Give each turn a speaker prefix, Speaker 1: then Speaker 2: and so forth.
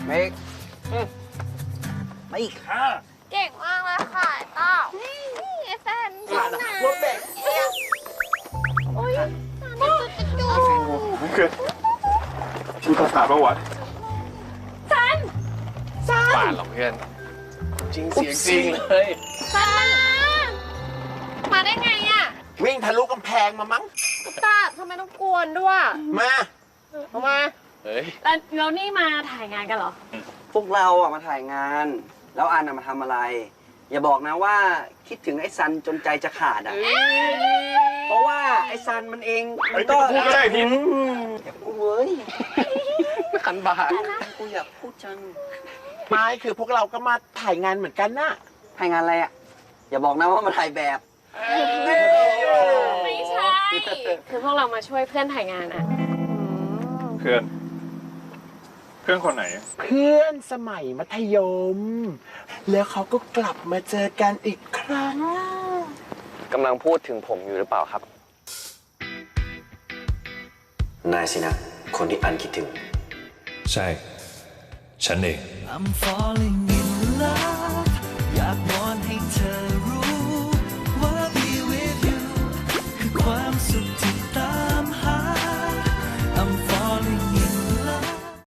Speaker 1: เมกไม่ค่ะ
Speaker 2: เก่งมากเลยค่ะไอ้ต้านี่ไอ้แฟนฉันนะ
Speaker 1: รถเบรก
Speaker 2: โอ้ยตาจุด
Speaker 3: เกิดชื่อภาษาประวัติ
Speaker 2: ซัน
Speaker 3: ป่านหรอกเพื่อนจริงเสียงจริงเลย
Speaker 2: ซันมาได้ไงอ่ะ
Speaker 1: วิ่งทะลุกำแพงมามั้ง
Speaker 2: ตาทำไมต้องกวนด้วย
Speaker 1: มามา
Speaker 3: เฮ้ย
Speaker 2: แล้วนี่มาถ่ายงานกันเหรอ
Speaker 4: พวกเราอะมาถ่ายงาน แล้วอันอะมาทำอะไร อย่าบอกนะว่าคิดถึงไอ้ซันจนใจจะขาดอะเพราะว่าไอ้ซันมันเอง
Speaker 3: เฮ้ยไม่ต้องพูดก็ได้พิน
Speaker 4: อย่าพูดเว้ย
Speaker 3: ขันบาท
Speaker 4: กูอยากพูดจัง
Speaker 1: ไม่คือพวกเราก็มาถ่ายงานเหมือนกันน่ะ
Speaker 4: ถ่ายงานอะไรอะอย่าบอกนะว่ามาถ่ายแบบ
Speaker 2: ไม่ใช่ คือพวกเรามาช่วยเพื่อนถ่ายงานอ่ะ
Speaker 3: เพื่อนคนไหน
Speaker 1: เพื่อนสมัยมัธยม แล้วเขาก็กลับมาเจอกันอีกครั้ง
Speaker 4: กำลังพูดถึงผมอยู่หรือเปล่าครับ นายสินะ คนที่อันคิดถึง
Speaker 5: ใช่ ฉันเอง
Speaker 6: I'm falling in love